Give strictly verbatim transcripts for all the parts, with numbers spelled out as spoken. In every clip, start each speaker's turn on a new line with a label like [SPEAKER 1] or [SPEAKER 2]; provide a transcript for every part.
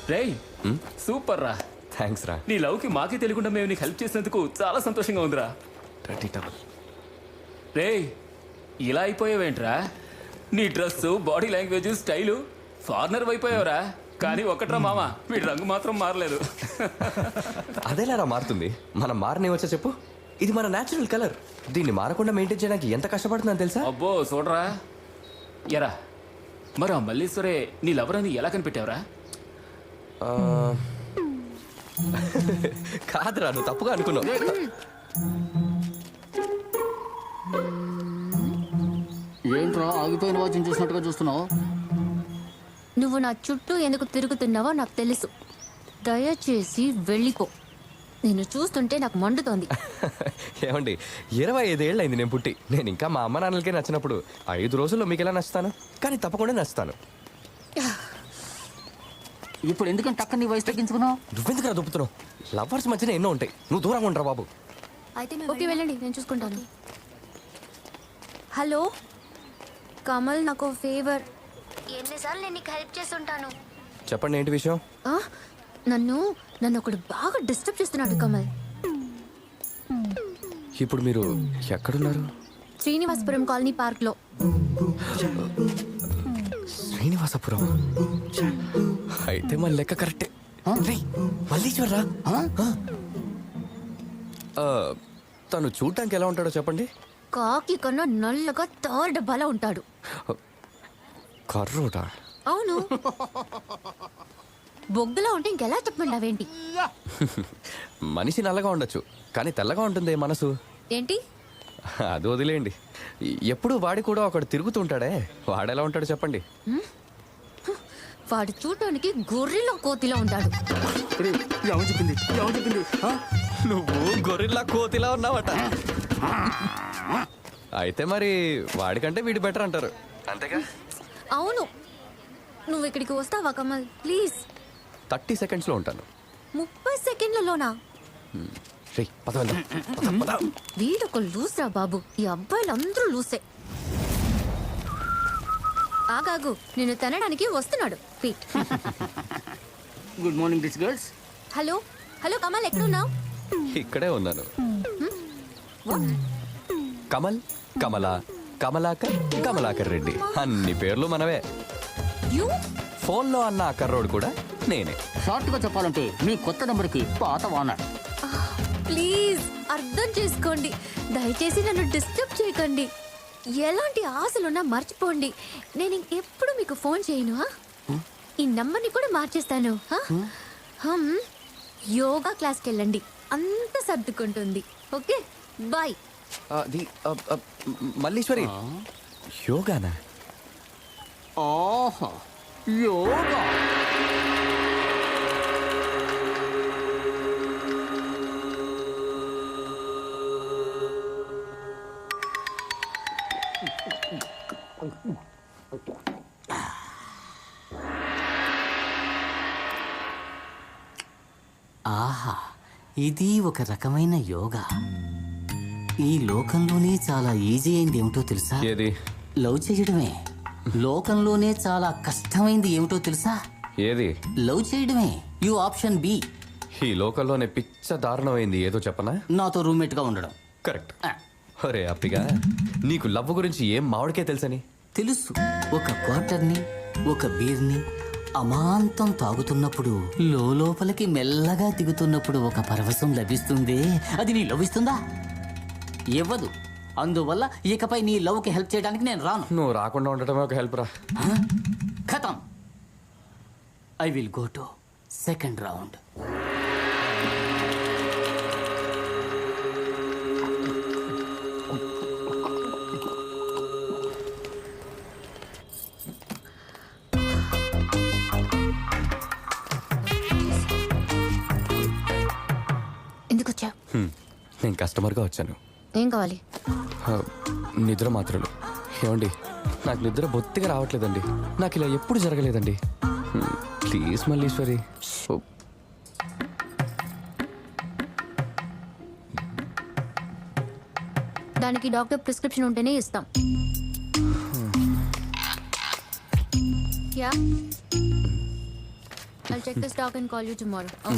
[SPEAKER 1] రేయ్ సూపర్ రా.
[SPEAKER 2] థ్యాంక్స్ రా.
[SPEAKER 1] నీ లవ్కి మాకే తెలియకుండా మేము నీకు హెల్ప్ చేసినందుకు చాలా సంతోషంగా ఉందిరా.
[SPEAKER 2] Thirty towel.
[SPEAKER 1] రేయ్ ఇలా అయిపోయావేంట్రా? నీ dress, body language, style foreigner అయిపోయావురా. కానీ ఒకట్రా మామ, వీడి రంగు మాత్రం మారలేదు.
[SPEAKER 2] అదేలారా మారుతుంది? మనం మారనే వచ్చా చెప్పు. ఇది మన న్యాచురల్ కలర్. దీన్ని మారకుండా మెయింటైన్ చేయడానికి ఎంత కష్టపడుతుందని తెలుసా?
[SPEAKER 1] అబ్బో చూడరా. ఎరా మరి ఆ మల్లీశ్వరే నీ లవర్ అని ఎలా కనిపెట్టావురా?
[SPEAKER 2] ఆ, కాదురా, నువ్వు తప్పుగా అనుకున్నావు.
[SPEAKER 3] ఏంట్రా ఆగిపోయిన వాచ్యం చూసినట్టుగా చూస్తున్నావు?
[SPEAKER 4] నువ్వు నా చుట్టూ ఎందుకు తిరుగుతున్నావో నాకు తెలుసు. దయచేసి వెళ్ళిపో. నేను చూస్తుంటే నాకు మండుతోంది.
[SPEAKER 2] ఏమండి, ఇరవై ఐదేళ్ళు అయింది నేను పుట్టి. నేను ఇంకా మా అమ్మ నాన్నలకే నచ్చినప్పుడు ఐదు రోజుల్లో మీకు ఎలా నచ్చుతాను? కానీ తప్పకుండా నచ్చుతాను.
[SPEAKER 3] ఇప్పుడు ఎందుకంటే టక్క నీ వయసు తగ్గించుకున్నావు?
[SPEAKER 2] నువ్వెందుకు రా దుప్పుతున్నావు? లవర్స్ మధ్యన ఎన్నో ఉంటాయి, నువ్వు దూరంగా ఉండరా బాబు.
[SPEAKER 4] ఓకే వెళ్ళండి, నేను చూసుకుంటాను. హలో కమల్, నాకు ఫేవర్. ఎన్నిసార్లు నేను నీకు హెల్ప్ చేస్తుంటాను.
[SPEAKER 2] చెప్పండి, ఏంటి విషయం?
[SPEAKER 4] నన్ను నన్ను ఒకడు బాగా డిస్టర్బ్ చేస్తున్నాడు కమల్.
[SPEAKER 2] ఇప్పుడు మీరు ఎక్కడున్నారు?
[SPEAKER 4] శ్రీనివాసపురం కాలనీ పార్క్ లో.
[SPEAKER 2] శ్రీనివాసపురం అయితే మన లెక్క కరెక్టే. మల్లీశ్వర్రా, తను చూడటానికి ఎలా ఉంటాడో చెప్పండి.
[SPEAKER 4] కాకి కన్నా నల్లగా తారు డబ్బాలా ఉంటాడు.
[SPEAKER 2] కర్రోట?
[SPEAKER 4] అవును. బొగ్గులా ఉంటే ఇంకెలా చెప్పండావేంటి?
[SPEAKER 2] మనిషి నల్లగా ఉండొచ్చు, కానీ తెల్లగా ఉంటుంది మనసు.
[SPEAKER 4] ఏంటి?
[SPEAKER 2] అది వదిలేయండి. ఎప్పుడు వాడి కూడా ఒకడు తిరుగుతుంటాడే, వాడెలా ఉంటాడు చెప్పండి.
[SPEAKER 4] వాడు చూడటానికి గొర్రెలో కోతిలా ఉంటాడు.
[SPEAKER 3] చెప్పింది చెప్పింది
[SPEAKER 2] నువ్వు గొర్రెలా కోతిలా ఉన్నావట. అయితే మరి వాడికంటే వీడి బెటర్ అంటారు, అంతేగా?
[SPEAKER 4] అవును. నువ్వు ఇక్కడికి వస్తావా కమల్ ప్లీజ్?
[SPEAKER 2] థర్టీ సెకండ్స్ లో ఉంటాను.
[SPEAKER 4] ముప్పై సెకండ్లలోనా? వీడొక లూస్ రా బాబు. ఈ అబ్బాయిలు అందరూ లూసే. ఆగాగు, నేను తినడానికి వస్తున్నాడు. Pete.
[SPEAKER 3] Good morning rich girls.
[SPEAKER 4] Hello hello Kamal, ఎక్కడున్నావు?
[SPEAKER 2] ఇక్కడే ఉన్నాను. కమల్, కమల, కమలాకర్, కమలాకర్ రెడ్డి అన్ని పేర్లు మనవే. ఫోన్ లో అన్న కర్రోడు కూడా నేనే.
[SPEAKER 3] షార్ట్ గా చెప్పాలంటే మీ కొత్త నెంబర్ కి పాత వానర్.
[SPEAKER 4] ప్లీజ్ అర్థం చేసుకోండి. దయచేసి నన్ను డిస్టర్బ్ చేయకండి. ఎలాంటి ఆశలున్నా మర్చిపోండి. నేను ఇంకెప్పుడు మీకు ఫోన్ చేయను. ఈ నంబర్ని కూడా మార్చేస్తాను. హమ్ యోగా క్లాస్కి వెళ్ళండి, అంత సర్దుకుంటుంది. Okay bye.
[SPEAKER 2] మల్లీశ్వరి, యోగానా?
[SPEAKER 3] ఆహా, యోగా. ఆహా, ఇది ఒక రకమైన యోగా. ఈ లోకంలోనే చాలా ఈజీ అయింది ఏమిటో తెలుసా?
[SPEAKER 2] ఏది?
[SPEAKER 3] లవ్ చేయడమే. లోకంలోనే చాలా కష్టమైంది ఏమిటో తెలుసా?
[SPEAKER 2] ఏది?
[SPEAKER 3] లవ్ చేయడమే. You option B.
[SPEAKER 2] ఈ లోకంలోనే పిచ్చ దారుణమైంది ఏదో చెప్పనా?
[SPEAKER 3] నాతో రూమ్మేట్ గా ఉండడం.
[SPEAKER 2] కరెక్ట్. ఒరే అప్పిగా, నీకు లవ్ గురించి ఏం మామిడికే తెలుసని?
[SPEAKER 3] తెలుసు. ఒక క్వార్టర్ని, ఒక బీర్ని అమాంతం తాగుతున్నప్పుడు లోపలికి మెల్లగా దిగుతున్నప్పుడు ఒక పరవశం లభిస్తుంది. అది నీ లవ్ ఇస్తుందా? ఇవ్వదు. అందువల్ల ఇకపై నీ లవ్ కి హెల్ప్ చేయడానికి నేను రాను.
[SPEAKER 2] నువ్వు రాకుండా ఉండటమే ఒక హెల్ప్ రా.
[SPEAKER 3] ఖతం. I will go to second round.
[SPEAKER 4] ఎందుకు వచ్చా?
[SPEAKER 2] నేను కస్టమర్గా వచ్చాను.
[SPEAKER 4] ఏం కావాలి?
[SPEAKER 2] నిద్ర మాత్రలు. ఏమండి, నాకు నిద్ర బొత్తిగా రావట్లేదండి. నాకు ఇలా ఎప్పుడు జరగలేదండి. ప్లీజ్ మల్లీశ్వరి.
[SPEAKER 4] దానికి డాక్టర్ ప్రిస్క్రిప్షన్ ఉంటేనే ఇస్తాం. Yeah I'll check the stock and call you tomorrow. Oh.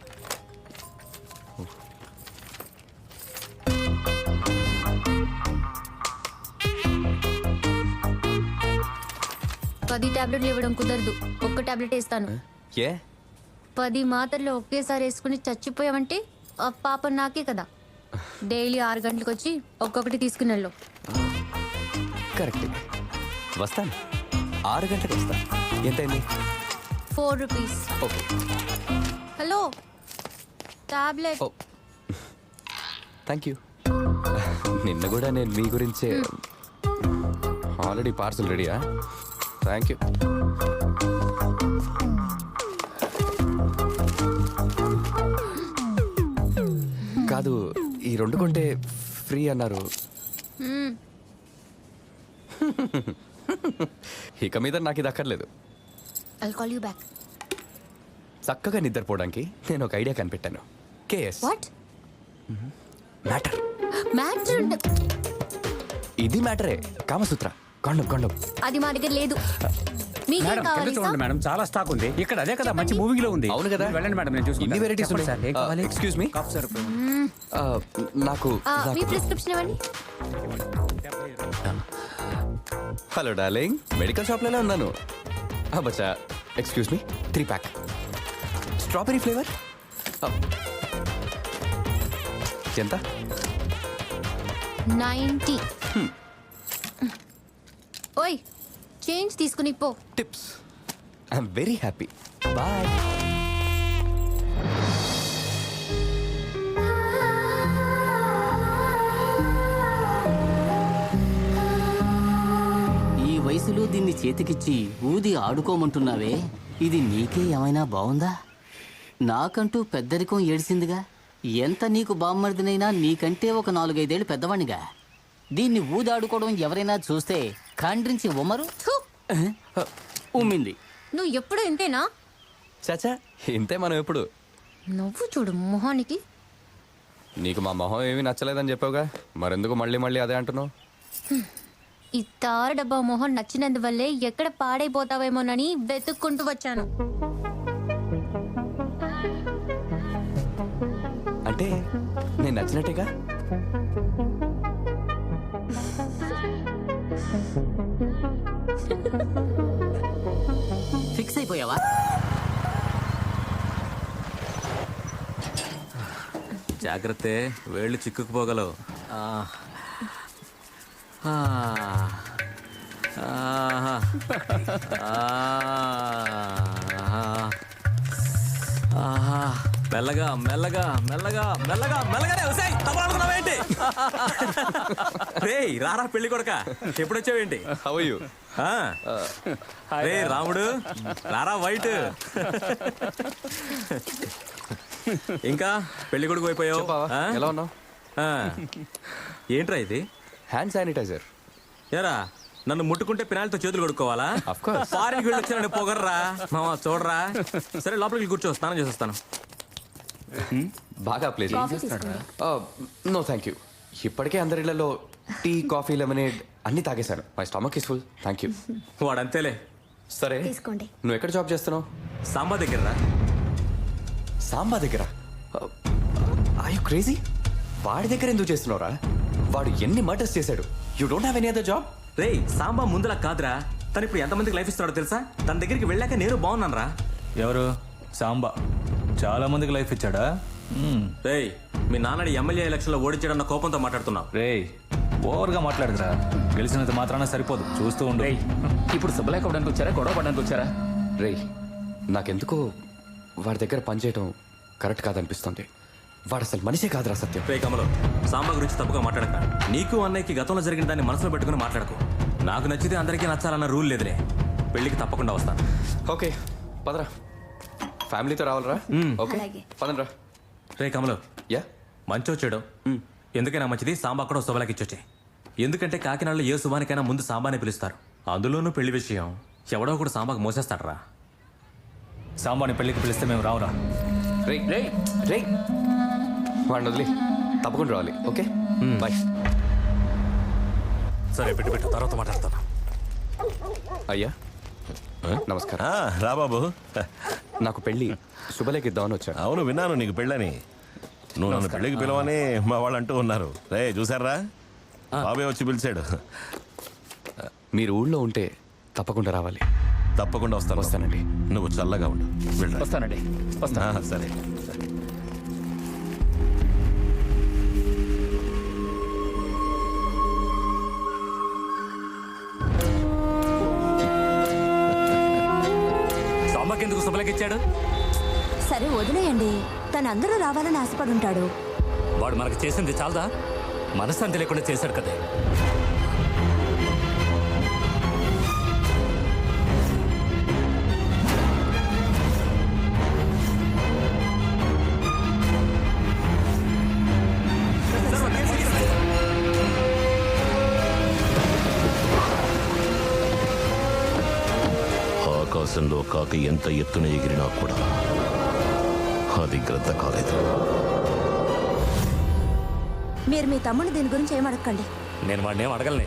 [SPEAKER 4] పది టాబ్లెట్లు ఇవ్వడం కుదరదు. ఒక్క టాబ్లెట్ ఇస్తాను.
[SPEAKER 2] ఏ
[SPEAKER 4] పది మాత్రలు ఒకేసారి వేసుకుని చచ్చిపోయావంటే ఆ పాప నాకే కదా. డైలీ ఆరు గంటలకు వచ్చి ఒక్కొక్కటి తీసుకుని వెళ్ళు.
[SPEAKER 2] కరెక్ట్. వస్తాను, ఆరు గంటలకు వస్తాను. ఎంతైంది?
[SPEAKER 4] Four rupees.
[SPEAKER 2] Okay.
[SPEAKER 4] Hello, tablet.
[SPEAKER 2] Oh thank you. నిన్న కూడా నేను మీ గురించే. ఆల్రెడీ పార్సల్ రెడీయా? Thank you. కాదు, ఈ రెండు కొంటే ఫ్రీ అన్నారు. ఇక మీద నాకు ఇది అక్కర్లేదు.
[SPEAKER 4] I'll call you back.
[SPEAKER 2] చక్కగా నిద్రపోవడానికి నేను ఒక ఐడియా కనిపెట్టాను. కేఎస్
[SPEAKER 4] What?
[SPEAKER 2] మ్యాటర్.
[SPEAKER 4] Matter?
[SPEAKER 2] ఇది మ్యాటరే. కామసూత్ర కాండం కాండం.
[SPEAKER 4] అది మా దగ్గర లేదు. మీకేం
[SPEAKER 5] మేడం కింద
[SPEAKER 4] కావాలి
[SPEAKER 5] చూడండి
[SPEAKER 4] సార్?
[SPEAKER 5] మేడం, చాలా స్టాక్ ఉంది ఇక్కడ. అదే కదా మంచి మూవింగ్ లో ఉంది.
[SPEAKER 2] అవును కదా.
[SPEAKER 5] మీరు వెళ్ళండి మేడం, నేను చూసుకుంటాను.
[SPEAKER 2] ఇన్ని వెరైటీస్
[SPEAKER 5] చెప్పండి సార్, ఏం కావాలి?
[SPEAKER 2] Excuse me.
[SPEAKER 5] Cough syrup.
[SPEAKER 2] నాకు
[SPEAKER 4] ఆ, మీ
[SPEAKER 2] నాకు-
[SPEAKER 4] ప్రిస్క్రిప్షన్ ఇవ్వండి.
[SPEAKER 2] హలో డార్లింగ్, మెడికల్ షాప్లోనే ఉన్నాను. బచ్చా, excuse me, three pack strawberry flavour. ఎంత?
[SPEAKER 4] నైంటీ. ఓయ్, చేంజ్ తీసుకుని పో.
[SPEAKER 2] Tips. I'm very happy. Bye.
[SPEAKER 3] ఈ వయసులో దీన్ని చేతికిచ్చి ఊది ఆడుకోమంటున్నావే, ఇది నీకే ఏమైనా బావుందా? నాకంటూ పెద్దరికం ఏడిసిందిగా. ఎంత నీకు బామ్మర్దినైనా నీకంటే ఒక నాలుగైదేళ్ళు పెద్దవాణ్ణిగా. దీన్ని ఊది ఆడుకోవడం ఎవరైనా చూస్తే ఖండ్రించి ఉమ్మరు.
[SPEAKER 4] థు,
[SPEAKER 3] ఉమ్మింది.
[SPEAKER 4] నువ్వు ఎప్పుడు ఇంతేనా?
[SPEAKER 2] చాచా, ఇంతే మనం ఎప్పుడు.
[SPEAKER 4] నువ్వు చూడు మొహానికి.
[SPEAKER 2] నీకు మా మొహం ఏమీ నచ్చలేదని చెప్పావుగా, మరెందుకు మళ్ళీ మళ్ళీ అదే అంటున్నావు?
[SPEAKER 4] ఈ తారు డబ్బా మొహం నచ్చినందువల్లే ఎక్కడ పాడైపోతావేమోనని వెతుక్కుంటూ వచ్చాను.
[SPEAKER 2] అంటే నేను నచ్చినట్టేగా.
[SPEAKER 3] ఫిక్స్ అయిపోయావా?
[SPEAKER 6] జాగ్రత్త, వేళ్ళు చిక్కుకుపోగలవు. ఆ. ఆ. ఆహా. ఆహా. మెల్లగా మెల్లగా మెల్లగా మెల్లగా మెల్లగానే వస్తాయి. తప్పనుకున్నావేంటి? రే రారా పెళ్లి కొడక, ఎప్పుడొచ్చావేంటి?
[SPEAKER 2] How are you?
[SPEAKER 6] ఆ. రే రాముడు, రారా వైట్. ఇంకా పెళ్లి కొడుకు అయిపోయావు.
[SPEAKER 2] చెప్పావా,
[SPEAKER 6] ఆ?
[SPEAKER 2] ఎలా ఉన్నావు?
[SPEAKER 6] ఆ. ఏంట్రా ఇది?
[SPEAKER 2] Hand sanitiser.
[SPEAKER 6] ఏరా, నన్ను ముట్టుకుంటే పినాలతో చేతులు కొడుకోవాలా?
[SPEAKER 2] Of course.
[SPEAKER 6] ఫారిన్కి వెళ్ళి వచ్చాను పొగర్రా మామ, చూడరా. సరే లోపలికి కూర్చో, స్నానం చేసేస్తాను.
[SPEAKER 2] బాగా ప్లేస్.
[SPEAKER 4] కాఫీ తీసుకోండి.
[SPEAKER 2] No thank you. ఇప్పటికే అందరిళ్లలో టీ, కాఫీ, లెమనేడ్ అన్ని తాగేశాను. My stomach is full, thank you.
[SPEAKER 6] వాడంతేలే.
[SPEAKER 2] సరే,
[SPEAKER 4] తీసుకోండి.
[SPEAKER 2] నువ్వు ఎక్కడ జాబ్ చేస్తున్నావు?
[SPEAKER 6] సాంబా దగ్గర.
[SPEAKER 2] సాంబా దగ్గర? I you crazy? వాడి దగ్గర ఎందుకు చేస్తున్నావురా? వాడు ఎన్ని మర్డర్స్ చేశాడు. You don't have any other job?
[SPEAKER 6] రే సాంబా ముందులా కాదురా, తను ఇప్పుడు ఎంతమందికి లైఫ్ ఇస్తున్నాడో తెలుసా? తన దగ్గరికి వెళ్ళాక నేను బాగున్నాను రా.
[SPEAKER 7] ఎవరు? సాంబా చాలా మందికి లైఫ్ ఇచ్చాడా?
[SPEAKER 6] రే, మీ నాన్నడి ఎమ్మెల్యే ఎలక్షన్లో ఓడించాడన్న కోపంతో మాట్లాడుతున్నావు.
[SPEAKER 7] రే ఓవర్గా మాట్లాడుతురా. గెలిచినంత మాత్రాన సరిపోదు, చూస్తూ ఉండు.
[SPEAKER 1] రేయ్, ఇప్పుడు శుభలేఖ అవ్వడానికి వచ్చారా, గొడవ పడడానికి వచ్చారా?
[SPEAKER 2] రేయ్, నాకెందుకో వాడి దగ్గర పనిచేయటం కరెక్ట్ కాదనిపిస్తుంది. వాడు అసలు మనిషే కాదురా సత్యం.
[SPEAKER 6] రే కమలో, సాంబా గురించి తప్పుగా మాట్లాడక. నీకు అన్నయ్యకి గతంలో జరిగిన దాన్ని మనసులో పెట్టుకుని మాట్లాడకు. నాకు నచ్చితే అందరికీ నచ్చాలన్న రూల్ లేదులే. పెళ్లికి తప్పకుండా వస్తాను.
[SPEAKER 2] ఓకే పదరా, ఫ్యామిలీతో రావాలరా? ఓకే
[SPEAKER 4] అలాగే.
[SPEAKER 2] పదండ్రా.
[SPEAKER 6] రే కమలో,
[SPEAKER 2] యా
[SPEAKER 6] మంచో చెడో ఎందుకైనా మంచిది సాంబా కూడా శుభలకి ఇచ్చొచ్చే. ఎందుకంటే కాకినాడలో ఏ శుభానికైనా ముందు సాంబానే పిలుస్తారు. అందులోనూ పెళ్లి విషయం ఎవడో ఒకడు సాంబాకు మోసేస్తాడరా.
[SPEAKER 7] సాంబాని పెళ్లికి పిలిస్తే మేము రావురా.
[SPEAKER 2] రేయ్ రేయ్ రేయ్, వాడిని వదిలి తప్పకుండా రావాలి. Okay bye.
[SPEAKER 6] సరే పెట్టు పెట్టు, తర్వాత మాట్లాడతాను.
[SPEAKER 2] అయ్యా నమస్కారం.
[SPEAKER 8] రా బాబు.
[SPEAKER 2] నాకు పెళ్ళి శుభలేఖ ఇద్దామని వచ్చాను.
[SPEAKER 8] అవును విన్నాను నీకు పెళ్ళని. నువ్వు నన్ను పెళ్ళికి పిలవని మా వాళ్ళు అంటూ ఉన్నారు. రే చూసారా, బాబే వచ్చి పిలిచాడు.
[SPEAKER 2] మీరు ఊళ్ళో ఉంటే తప్పకుండా రావాలి.
[SPEAKER 8] తప్పకుండా వస్తాను.
[SPEAKER 2] వస్తానండి.
[SPEAKER 8] నువ్వు చల్లగా ఉండు. వెళ్ళరా.
[SPEAKER 1] వస్తానండి వస్తా
[SPEAKER 8] ఆ, సరే సరే.
[SPEAKER 5] సాంబాకి ఎందుకు శుభలేఖ ఇచ్చాడు?
[SPEAKER 9] సరే వదిలేయండి, తను అందరూ రావాలని ఆశపడుంటాడు.
[SPEAKER 5] వాడు మనకు చేసింది చాలదా? మనశ్శాంతి లేకుండా చేశాడు కదా.
[SPEAKER 8] ఆకాశంలో కాకి ఎంత ఎత్తున ఎగిరినా కూడా అది గ్రద్ద కాలేదు.
[SPEAKER 9] మీరు మీ తమ్ముడు దీని గురించి ఏమడగండి.
[SPEAKER 5] నేను వాడిని ఏం అడగలనే.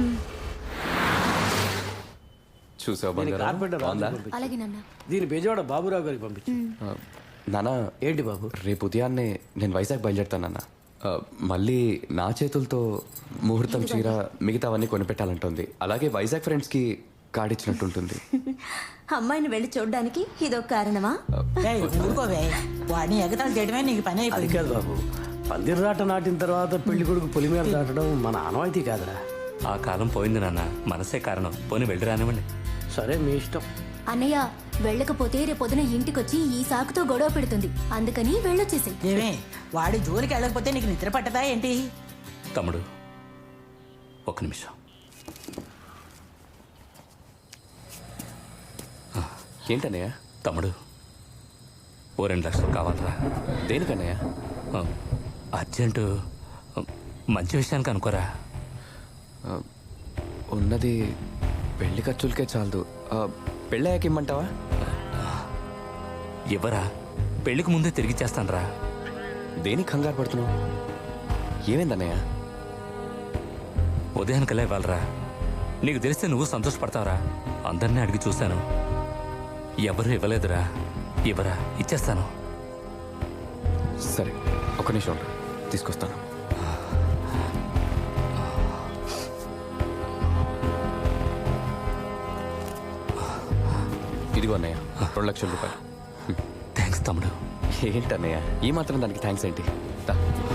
[SPEAKER 2] చూసావు బంగారం? బాగుందా?
[SPEAKER 4] అలాగే నాన్న.
[SPEAKER 10] దీని బెజవాడ బాబురావు గారికి పంపించు.
[SPEAKER 2] ఆ, నాన్న
[SPEAKER 10] ఏంటి బాబు?
[SPEAKER 2] రేపు ఉదయాన్నే నేను వైజాగ్ బయలుదేరుతాను నాన్న. ఆ, మళ్ళీ నా చేతులతో ముహూర్తం చీర మిగతావన్నీ కొనిపెట్టాలంటుంది. అలాగే వైజాగ్ ఫ్రెండ్స్కి కార్డ్ ఇచ్చినట్టుంటుంది.
[SPEAKER 9] అమ్మాయిని వెళ్ళి చూడడానికి ఇదొక కారణమా?
[SPEAKER 11] ఏయ్, ఊరుకోవే. వాడిని ఎగతాళి చేయడమే నీకు పని
[SPEAKER 10] అది
[SPEAKER 11] అయిపోయింది.
[SPEAKER 10] కాదు బాబు, పందిర్రాట నాటిన తర్వాత పెళ్లి కొడుకు పులి మీద దాటడం మన ఆనవాయితీ కాదురా.
[SPEAKER 5] ఆ కాలం పోయింది నాన్న. మనసే కారణం. పోనీ వెళ్ళి రానివ్వండి.
[SPEAKER 10] సరే మీ ఇష్టం.
[SPEAKER 4] అన్నయ్య వెళ్ళకపోతే రేపొద్దున ఇంటికొచ్చి ఈ సాకుతో గొడవ పెడుతుంది. అందుకని వెళ్ళొచ్చేసి.
[SPEAKER 11] ఏమే, వాడి జోలికి వెళ్ళకపోతే నీకు నిద్ర పట్టదా ఏంటి?
[SPEAKER 5] తమ్ముడు ఒక నిమిషం.
[SPEAKER 2] ఏంటన్నయ్య?
[SPEAKER 5] తమ్ముడు ఓ రెండు లక్షలు కావాలరా.
[SPEAKER 2] దేనికన్నయ్య?
[SPEAKER 5] ఆ, అర్జెంటు. ఆ, మంచి విషయానికి అనుకోరా.
[SPEAKER 2] ఆ, ఉన్నది పెళ్లి ఖర్చులకే చాలదు. ఆ, పెళ్ళయ్యాక ఇమ్మంటావా?
[SPEAKER 5] ఇవ్వరా, పెళ్లికి ముందే తిరిగిచ్చేస్తానురా.
[SPEAKER 2] దేనికి కంగారు పడుతున్నావు? ఏమైందన్నయ్య?
[SPEAKER 5] ఉదయానికల్లా ఇవ్వాలరా. నీకు తెలిస్తే నువ్వు సంతోషపడతావురా. అందరినీ అడిగి చూశాను, ఎవరు ఇవ్వలేదురా. ఇవ్వరా, ఇచ్చేస్తాను.
[SPEAKER 2] సరే ఒక నిమిషం ఉండు, తీసుకొస్తాను. ఇదిగో అన్నయ్య, రెండు లక్షల రూపాయలు.
[SPEAKER 5] థ్యాంక్స్ తమ్ముడు.
[SPEAKER 2] ఏంటన్నయ్య ఈ మాత్రం దానికి థ్యాంక్స్ ఏంటి? దా.